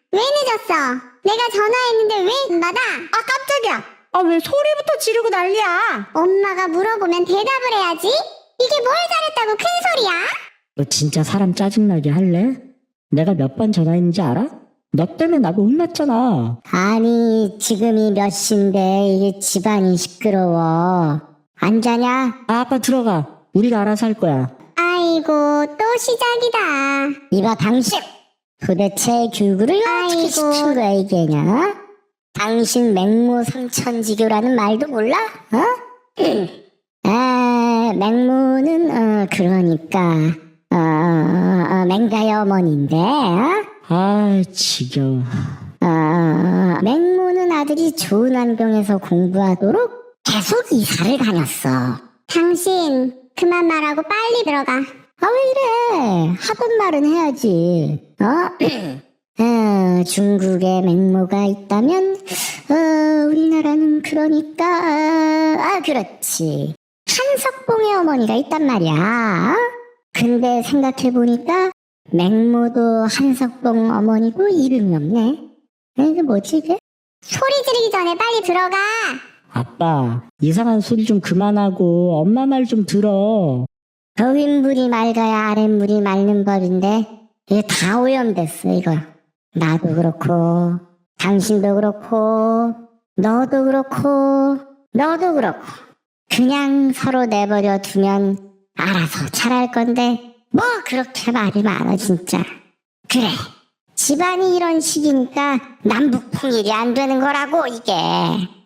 왜 늦었어? 내가 전화했는데 왜 안 받아? 아, 깜짝이야. 아, 왜 소리부터 지르고 난리야? 엄마가 물어보면 대답을 해야지. 이게 뭘 잘했다고 큰 소리야? 너 진짜 사람 짜증나게 할래? 내가 몇 번 전화했는지 알아? 너 때문에 나도 혼났잖아. 아니, 지금이 몇 시인데 이게 집안이 시끄러워. 안 자냐? 아, 아빠 들어가. 우리가 알아서 할 거야. 아이고 또 시작이다. 이봐, 당신! 도대체 교육을 어떻게 아이고. 시킨 거야, 이게냐? 당신 맹모 삼천지교라는 말도 몰라? 어? 아, 맹모는, 그러니까, 맹가의 어머니인데, 어? 아, 지겨워. 맹모는 아들이 좋은 환경에서 공부하도록 계속 이사를 다녔어. 당신 그만 말하고 빨리 들어가. 아, 왜 이래? 하던 말은 해야지. 중국에 맹모가 있다면, 우리나라는 그러니까, 그렇지. 한석봉의 어머니가 있단 말이야. 근데 생각해보니까, 맹모도 한석봉 어머니고 이름이 없네. 이게 뭐지, 이게? 소리 지르기 전에 빨리 들어가. 아빠, 이상한 소리 좀 그만하고 엄마 말 좀 들어. 윗물이 맑아야 아랫물이 맑는 법인데, 이게 다 오염됐어, 이거. 나도 그렇고, 당신도 그렇고, 너도 그렇고, 너도 그렇고. 그냥 서로 내버려 두면 알아서 잘할 건데, 뭐 그렇게 말이 많아, 진짜. 그래, 집안이 이런 식이니까 남북통일이 안 되는 거라고, 이게.